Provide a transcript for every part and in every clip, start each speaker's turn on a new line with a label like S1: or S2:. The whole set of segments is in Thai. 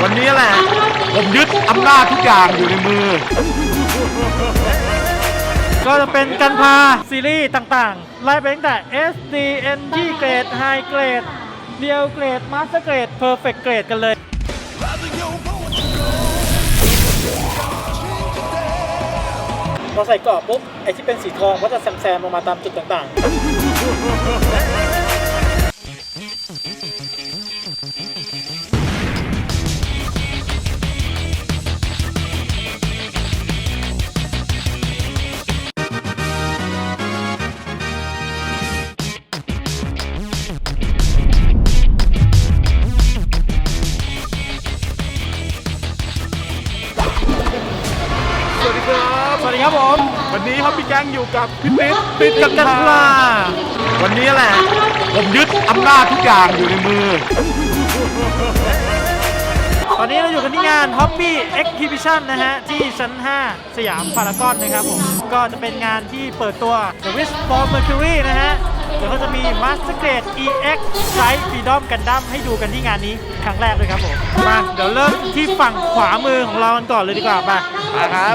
S1: วันนี้แหละผมยึดอำนาจทุกอย่างอยู่ในมือ
S2: ก็จะเป็นการพาซีรีส์ต่างๆไล่ไปตั้งแต่ SD NG เกรด High เกรดเดียวเกรด Master เกรด Perfect เกรดกันเลยพอใส่กรอบปุ๊บไอ้ที่เป็นสีทองก็จะแซมๆลงมาตามจุดต่างๆสวัสดีครับผม
S1: วันนี้ครับพี่แก๊งอยู่กับพี่ติ๊ด
S2: กันพลา
S1: วันนี้แหละผมยึดอำนาจทุกอย่างอยู่ในมือ
S2: ตอนนี้เราอยู่กันที่งาน Hobby Exhibition นะฮะที่ชั้น 5 สยามพารากอนนะครับผมก็จะเป็นงานที่เปิดตัว The Wish for Mercury นะฮะแล้วก็จะมี Master Grade EX Strike Freedom Gundam ให้ดูกันที่งานนี้ครั้งแรกเลยครับผมมาเดี๋ยวเริ่มที่ฝั่งขวามือของเรากันก่อนเลยดีกว่ามา
S1: ครับ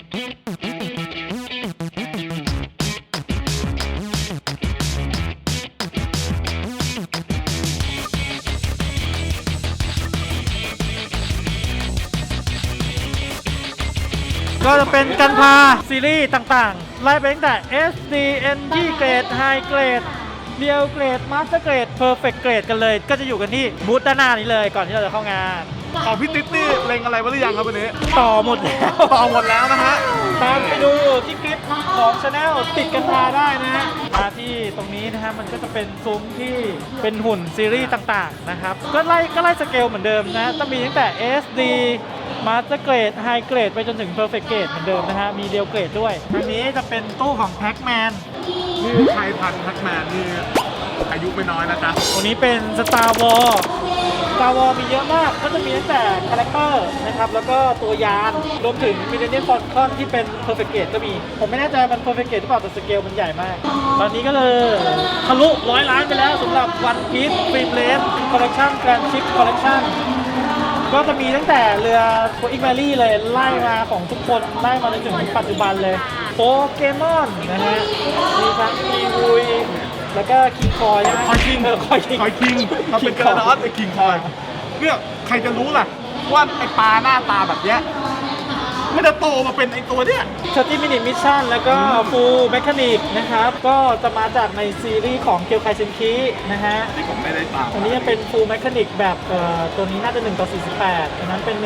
S2: ก็จะเป็นการพาซีรีส์ต่างๆไล่ไปตั้งแต่ SD NG เกรด High เกรดเดียวเกรด Master เกรด Perfect เกรดกันเลยก็จะอยู่กันที่บูธด้านหน้านี้เลยก่อนที่เราจะเข้างาน
S1: ของพี่ติ๊ดนี่เล็งอะไรไว้หรือยังครับวันนี้
S2: ต่อหมดแล้ว
S1: นะฮะ
S2: ตามไปดูที่คลิปของ Channel ติดกันมาได้นะฮะมาที่ตรงนี้นะฮะมันก็จะเป็นซุ้มที่เป็นหุ่นซีรีส์ต่างๆนะครับก็ไล่สเกลเหมือนเดิมนะต้องมีตั้งแต่ SD Master Grade High Grade ไปจนถึง Perfect Grade เหมือนเดิมนะฮะมีเดียวเกรดด้วยอันนี้จะเป็นตู้ของ Pac-Man
S1: นี่ใครทันแพ็กแมนนี่อายุไม่น้อยนะจ๊ะ
S2: ตัวนี้เป็น Star Wars มีเยอะมากก็จะมีตั้งแต่คาแรคเตอร์นะครับแล้วก็ตัวยานรวมถึง Millennium Falcon ที่เป็น Perfect Grade ก็มีผมไม่แน่ใจมัน Perfect Grade หรือเปล่าแต่สเกลมันใหญ่มากตอนนี้ก็เลยทะลุ100 ล้านไปแล้วสำหรับ One Piece Film Race Collection Grand Ship Collection ก็จะมีตั้งแต่เรือโคอิกแมรี่เลยไล่มาของทุกคนไล่มาจนถึงปัจจุบันเลยโปเกมอนนะฮะมีทั้งอีวุยแล้วก็คิงคอยใช่ไหม
S1: คอยคิงเขาเป็นกระดอนไอ้คิงคอยเนี่ยใครจะรู้ล่ะว่าไอ้ปลาหน้าตาแบบเนี้ยไม่ได้โตมาเป็นไอ้ตัวเนี้ย
S2: 30 Minute Mission แล้วก็ Full Mechanic นะครับก็จะมาจากในซีรีส์ของเคียวไคเซนคินะฮะ
S1: ที่ผมไม่ได้ตาม
S2: อันนี้จะเป็น Full Mechanic แบบตัวนี้น่าจะ1:48อันนั้นเป็น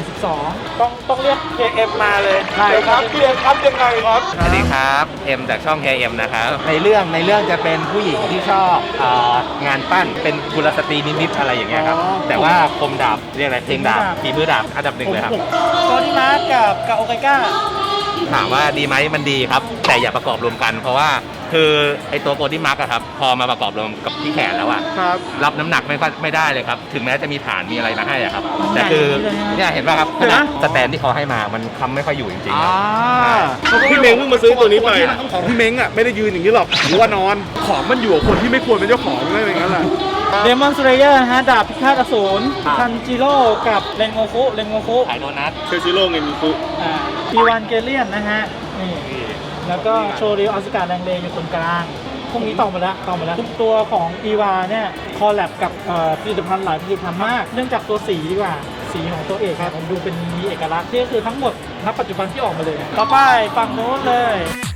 S2: 1:72ต้องเรียก KM มาเลย
S1: ใช่ครับเรียกครับยังไงครับ
S3: สวัสดีครับเอ็มจากช่อง KM นะครับในเรื่องจะเป็นผู้หญิงที่ชอบงานปั้นเป็นกุลสตรีนิดๆอะไรอย่างเงี้ยครับแต่ว่าคมดาบเรียกอะไรเพลงดาบฝีมือดาบอันดับ 1เลยครับ
S2: ตัวที่มากับโอไกก้า
S3: ถามว่าดีไหมมันดีครับแต่อย่าประกอบรวมกันเพราะว่าคือไอตัวโปรที่มาร์กอะครับพอมาประกอบรวมกับที่แขนแล้วอะรับน้ำหนักไม่ได้เลยครับถึงแม้จะมีฐานมีอะไรมาให้อะครับแต่คือเนี่ยเห็นป่ะครับสแตนที่เขาให้มามันค้ำไม่ค่อยอยู่จริง
S1: ๆพี่เม้งเพิ่งมาซื้อตัวนี้ไปของพี่เม้งอะไม่ได้ยืนอย่างนี้หรอกหัวนอนของมันอยู่กับคนที่ไม่ควรเป็นเจ้าของอะไรอย่างนั้นแหละ
S2: เดมอนสเลเยอร์ฮะดาบพิฆาตอสูรทันจิโร่กับเรนโงคุ
S3: ไอโดนัท
S1: เชซิโร่เงินคุ
S2: อีวานเกเลียนนะฮะนี่แล้วก็โชริวอสการ์แดงเลอยู่ตรงกลางพวกนี้ต่อมาแล้วทุกตัวของอีวาเนี่ยคอลแลบกับผลิตภัณฑ์หลายผลิตภัณฑ์มากเนื่องจากตัวสีดีกว่าสีของตัวเอกครับผมดูเป็นมีเอกลักษณ์ที่คือทั้งหมดณปัจจุบันที่ออกมาเลยต่อไปฝั่งโน้นเลย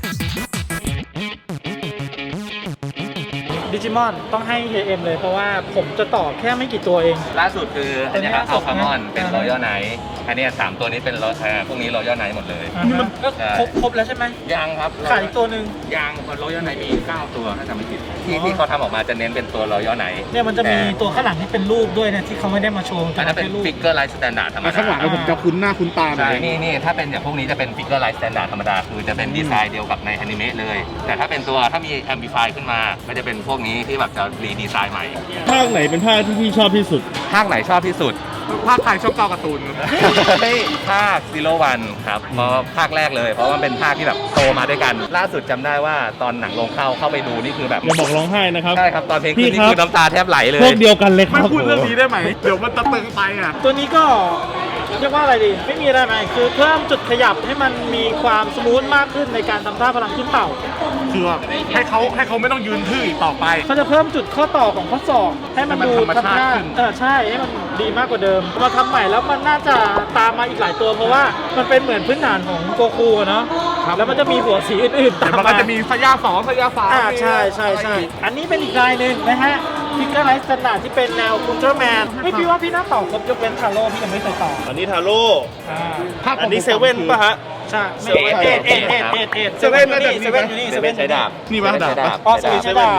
S2: ดิจิมอนต้องให้ KM เลยเพราะว่าผมจะต่อแค่ไม่กี่ตัวเอง
S3: ล่าสุดคืออันนี้ครับอัลฟามอนเป็นรอยัลไนท์อันนี้3ตัวนี้เป็นพวกนี้รอยัลไนท์หมดเลย
S2: ก็ครบแล้วใช่ไหม
S3: ยังครับ
S2: ขาดอีกตัวหนึ่ง
S3: ยังรอยัลไนท์มี9ตัวถ้าจำไม่ผิดที่เขาทำออกมาจะเน้นเป็นตัวรอยัลไนท์
S2: เนี่ยมันจะมีตัวข้างหลังที่เป็นรูปด้วยนะที่เขาไม่ได้มาโชว์
S3: อันนั้นเป็นฟิกเกอร์ไลท์สแตนดาร์ดธรรมดา
S1: ข้างหลังผมจะคุ้นหน้าคุ้นตา
S3: ใช่นี่ถ้าเป็นอย่างพวกนี้จะเป็นฟิกเกอร์ไลท์สแตนดาร์ดธรรมดาคือจะเป็นดีไซน์เดียวกับในอนิเมะเลยแต่ถ้าเป็นตัวถ้ามีแอมพลิฟายขึ้นมาก็จะเป็นพวกนี้ที่แบบจะรีดีไซน์ใหม่
S1: ภาคไหนเป็นภาคที่พี่ชอบที่สุด
S3: ภาคไหนชอบที่สุด
S1: ภาคไทยช่องเก้าการ์ตูน
S3: ให้ภาคซีโร่วันครับเพราะภาคแรกเลยเพราะว่ามันเป็นภาคที่แบบโตมาด้วยกัน ล่าสุดจำได้ว่าตอนหนังลงเข้าไปดูนี่คือแบบ
S4: อย่าบอกร้องไห้นะครับ
S3: ใช่ครับตอนเพลง
S4: พี่
S3: ขึ้นนี่
S4: ครับ
S3: คือน้ำตาแทบไหลเลย
S4: พวกเดียวกันเลยค
S1: ไม่
S4: รับ
S1: พูดเรื่องนี้ได้ไหม เดี๋ยวมันจะตึงไปอ่ะ
S2: ตัวนี้ก็เรียกว่าอะไรดี ไม่มีอะไรใหม่คือเพิ่มจุดขยับให้มันมีความสมูทมากขึ้นในการทำท่าพลังขึ้นเต่า
S1: คือแบบให้เขาไม่ต้องยืนทื่ออีกต่อไป
S2: เขาจะเพิ่มจุดข้อต่อของข้อศอกให้มันดู
S1: ให้มันธรรมชาติ
S2: ทำหน้า
S1: ขึ้น
S2: ใช่ให้มันดีมากกว่าเดิมมาทำใหม่แล้วมันน่าจะตามมาอีกหลายตัวเพราะว่ามันเป็นเหมือนพื้นฐานของโกคูอะเนาะแล้วมันจะมีหัวสีอื่นๆ
S1: แต่
S2: ตาม
S1: มันก็
S2: มา
S1: จะมีสยาสองสยาสาม
S2: ใช่อันนี้เป็นอีกลายหนึ่งนะฮะพิกเกอร์ไลท์สแตนดาร์ดที่เป็นแนวอุลตร้าแมนไม่พี่ว่าพี่น่าต่อครบยกเว้นทาโร่พี่ยังไม่เคยต่อ
S4: อันนี้ทาโร่
S1: ภาคขง
S4: อันนี้เซเว่นป่ะฮะ
S2: ใช่
S3: เซเว่น
S2: เซเว่นอยู่นี่เซเว่นอยู่นี่
S3: เซเว่นใช้ดาบ
S1: นี่ปะดาบปะ
S2: อ๋อเซเว่นใช้ดาบ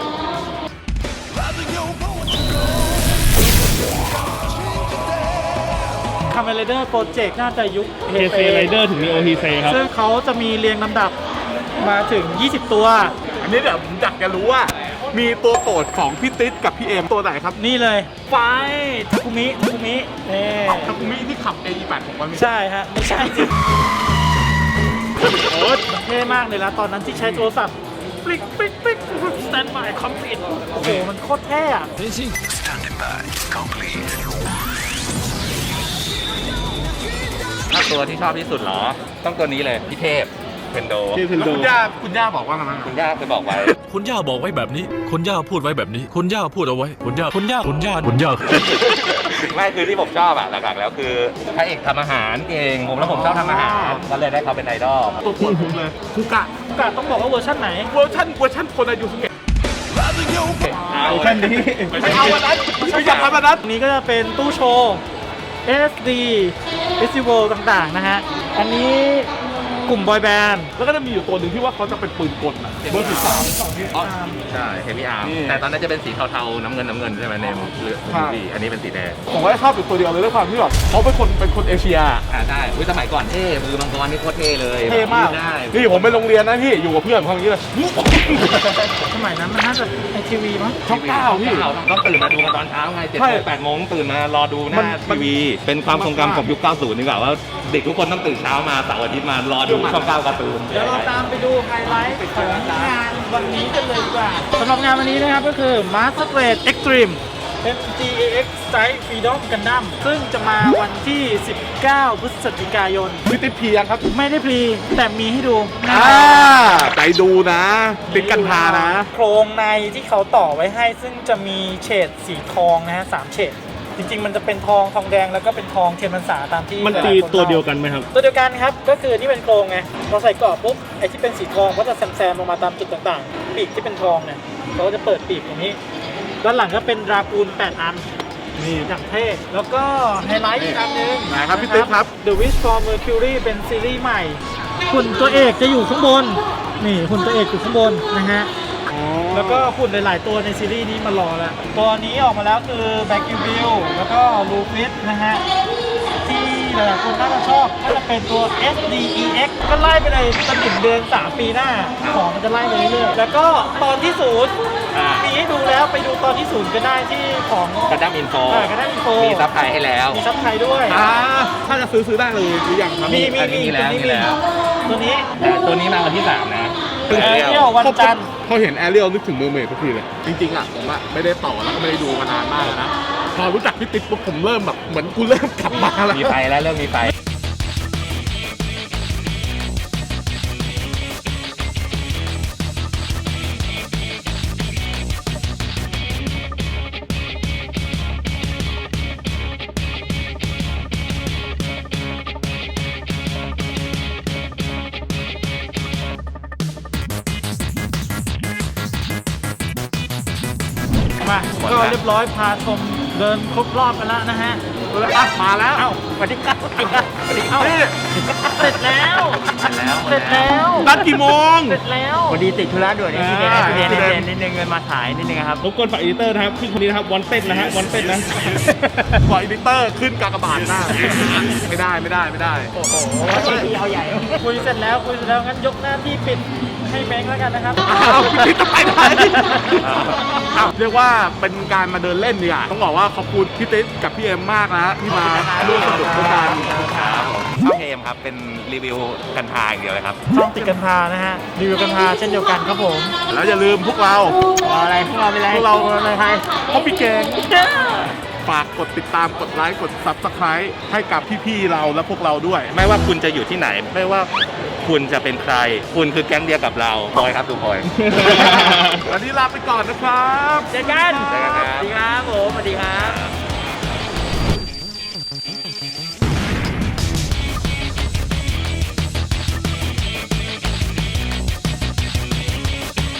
S2: คาเมเลเดอร์โปรเจกต์น่าจะยุค
S4: เฮเซไรเดอร์ถึงมีโอฮีเซครับ
S2: ซึ่งเขาจะมีเรียงลำดับมาถึง 20 ตัว
S1: อันนี้เดี๋ยวผมอยากจะรู้ว่า มีตัวโปรดของพี่ติ๊ดกับพี่เอมตัวไหนครับ
S2: นี่เลยไฟทาคุมิเน่
S1: ทาคุมิที่ขับ AE8 ของมันมี
S2: ใช่ฮะ ไม่ใช่สิโอ้เท่มากเลยนะตอนนั้นที่ใช้โทรศัพท์ปลิกสแตนบายคอมพลีทโอ้โห มันโคตรเท่อะ
S3: ถ้าตัวที่ชอบที่สุดเหรอ ต้องตัวนี้เลยพี่เทพเพนโด
S4: ชื่อเพน
S1: แล้ว
S4: โด
S1: คุณย่าบอกว่าไงบ้าง
S3: คุณย่าเคยบอกไว้
S5: คุณย่าบอกไว้แบบนี้ คุณย่าพูดไว้แบบนี้ คุณย่าพูดเอาไว้ คุณย่า
S3: ไม่คือที่ผมชอบอะหลักๆแล้วคือพระเอกทำอาหารเก่งผมแล้วผมชอบทำอาหารก็เลยได้เขาเป็นไอดอล
S1: ตัวโปรดผมเลยคุกะ
S2: กาต้องบอกว่าเวอร์ชันไหน
S1: เวอร์ชันคนอายุสุเกะ
S3: เอา
S4: แค่นี้
S1: ไม่เอาวันนั้นไม่อยากทำวันนั้น
S2: อันนี้ก็จะเป็นตู้โชว์ SD Festival ต่างๆนะฮะ อันนี้กลุ่มบอยแบนด์
S1: แล้วก็จะมีอยู่ตัวหนึ่งที่ว่าเขาจะเป็นปืนกลนะเบอร์13อ๋อ
S3: ใช่เฮฟวี่อาร์ม
S1: นี่
S3: แต่ตอนนั้นจะเป็นสีเทาๆน้ำเงินใช่ไหมเนมหรือ
S1: ครับ
S3: สีอันนี้เป็นสีแดง
S1: ผมก็ชอบอยู่ตัวเดียวเลยด้วยความที่แบบเขาเป็นคนเอเชีย
S3: ใช่สมัยก่อนเท่มือมังกรนี่โคตรเท่เลย
S1: เท่มาก
S3: ได้
S1: นี่ผมไปโรงเรียนนะพี่อยู่กับเพื่อนเขาอย่างนี้เลย
S2: สมัยนั้นมันน่าจะไอทีวีมั้ง
S1: ช่องเก้าพี่
S3: ต้องตื่นมาดูกันตอนเช้าไง7
S1: ใช่
S3: โมง8 โมงตื่นมารอดูห
S1: มั
S3: น้าน ทีวี เป็นความทรงจำของยุค 90 ดีกว่าว่าเด็กทุกคนต้องตื่นเช้ามาเสาร์อาทิตย์มารอดูช่อง 9 การ์ตูน
S2: เดี๋ยวเราตามไปดูไฮไลท์ของงานวันนี้กันเลยดีกว่าสำหรับงานวันนี้นะครับก็คือ Master Grade Extreme MGAX Strike Freedom Gundam ซึ่งจะมาวันที่ 19 พฤศจิกายน
S1: พี่ติ๊ดเพียงครับ
S2: ไม่ได้พรีแต่มีให้ดู
S1: ใจดูนะติ๊ดกันพานะ
S2: โครงในที่เขาต่อไว้ให้ซึ่งจะมีเฉดสีทองนะฮะ3เฉดจริงๆ มันจะเป็นทองแดงแล้วก็เป็นทองเทียนพรรษาตามที่
S4: มันตี
S2: หลายๆคน
S4: ตัวเดียว
S2: ล่า
S4: กันไหมครับ
S2: ตัวเดียวกันครับ ก็คือนี่เป็นโครงไงเราใส่เกราะปุ๊บไอ้ที่เป็นสีทองก็จะแซมๆลงมาตามจุดต่างๆ ปีกที่เป็นทองเนี่ยเราก็จะเปิดปีกตรงนี้ด้านหลังก็เป็นดรากูล8 อันนี่อย่างเท่แล้วก็ไฮไลท์อีกอันนึง
S1: ไหนครับพี่ติ๊กครับ
S2: The Wish for Mercury เป็นซีรีส์ใหม่หุ่นตัวเอกจะอยู่ข้างบนนี่หุ่นตัวเอกอยู่ข้างบนนะฮะ แล้วก็หุ่นหลาย ๆ ตัวในซีรีส์นี้มารอแล้ว ตัวนี้ออกมาแล้วคือแบ็กกิวิลแล้วก็ลูฟิสนะฮะ ที่หลายๆคนน่าจะชอบก็จะเป็นตัว SDEX ก็ไล่ไปเลยจนถึงเดือน 3 ปีหน้า ของมันจะไล่ไปเรื่อยๆแล้วก็ตอนที่ศูนย์มีให้ดูแล้วไปดูตอนที่ศูนย์ก็ได้ที่ของ
S3: กระดั้มอินโฟ
S2: ก็ได้อินโฟ
S3: มีซับไทยให้แล้ว
S2: มีซับไทยด้วย
S1: ถ้าจะซื้อได้เลยหรือยังครับ
S2: มี
S3: อันนี้มีแล้ว
S2: ตัวนี้
S3: แต่ตัวนี้มาวันที่ 3 นะ
S2: แอเรียลวันจันทร์
S1: พอเห็นแอเรียลนึกถึงเมอร์เมดทุกทีเลย จริงๆอ่ะผมอ่ะไม่ได้ต่อแล้วก็ไม่ได้ดูมานานมากแล้วนะ พอรู้จักพี่ติ๊กปุ๊บผมเริ่มแบบเหมือนกูเริ่มกลับมาแล้ว
S3: มีไฟแล้วเริ่มมีไฟ
S2: มาก็เรียบร้อยพาชมเดินครบรอบกันแล้วนะฮะ
S1: มาแล้ว
S2: เอ้าสวัสดีครับสวัสดีครับสวัสดีครับ
S1: นี่
S2: เสร็จแล้ว เสร็จแล้ว
S1: นัดกี่โมง
S2: เสร็จแล้ว
S6: พอดีติดธุระด่วนนี่
S1: อ่า
S6: เรียนนิดนึงมาถ่ายนิดนึงครับ
S4: รบกวนฝากอีดิเตอร์นะครับขึ้นคนนี้นะครับวันเต้นนะฮะวันเต้นนะ
S1: กว่าอีดิเตอร์ขึ้นกากบาทหน้าไม่ได้
S6: ทีเอาใหญ่
S2: คุยเสร็จแล้วงั้นยกหน้าที่ปิดให้แบงค์แล้วกันนะครับ
S1: อ้าวพี่จะไปไหนอ้าวเรียกว่าเป็นการมาเดินเล่นเนี่ยต้องบอกว่าขอบคุณพี่ติ๊กกับพี่เอ็มมากนะที่มาร่วมสนุกด้วยกัน
S3: ครับผมช่องเอมครับเป็นรีวิวกัญชาอย่างเดียวเลยครับ
S2: ช่องติดกัญชานะฮะรีวิวกัญชาเช่นเดียวกันครับผม
S1: แล้วอย่าลืมพวกเรา
S6: อะไรพวกเราเป็นไร
S1: พวกเราในไทยเพราะพี่เก่งฝากกดติดตามกดไลค์กด Subscribe ให้กับพี่ๆเราและพวกเราด้วย
S3: ไม่ว่าคุณจะอยู่ที่ไหน ไม่ว่าคุณจะเป็นใคร คุณคือแก๊งเดียวกับเราพลอยครับดูพลอย
S1: วันนี้ลาไปก่อนนะครับ
S6: เจอกัน
S3: เจอกันครับ
S6: สวัสดีครับผมสวัสดีครับ